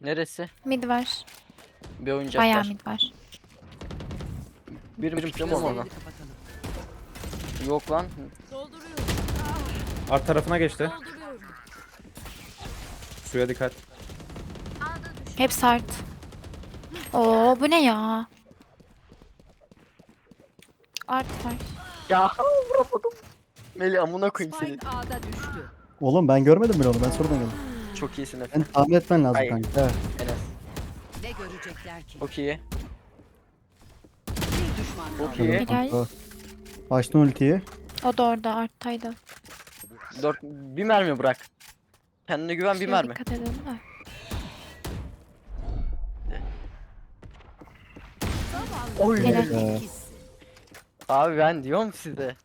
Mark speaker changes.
Speaker 1: Neresi?
Speaker 2: Mid var.
Speaker 1: Bir oyuncak
Speaker 2: Bayağı
Speaker 1: var.
Speaker 2: mid var.
Speaker 1: Bir kim ona? Yok lan.
Speaker 3: Art tarafına geçti. Suya dikkat.
Speaker 2: Hepsi art. Oo bu ne ya? Art var.
Speaker 1: Ya vuramadım. Melih amına koyayım seni.
Speaker 4: Spike A'da düştü.
Speaker 5: Oğlum ben görmedim bile onu. Ben sonradan geldim.
Speaker 1: Çok iyisin Efe.
Speaker 5: Ben tahmin etmen lazım
Speaker 1: Hayır.
Speaker 5: kanka. Evet.
Speaker 1: Enes.
Speaker 4: Ne görecekler ki?
Speaker 1: Çok iyi.
Speaker 4: Bir düşman
Speaker 1: Çok
Speaker 4: kaldı.
Speaker 1: iyi.
Speaker 2: Helal.
Speaker 5: Kanka. Açtın ultiyi.
Speaker 2: O da orada arttaydı.
Speaker 1: 4 bir mermi bırak. Kendine güven bir
Speaker 2: Şuraya
Speaker 1: mermi.
Speaker 2: dikkat edelim de.
Speaker 1: Oy.
Speaker 2: Helal.
Speaker 5: Ee,
Speaker 1: Abi ben diyorum size.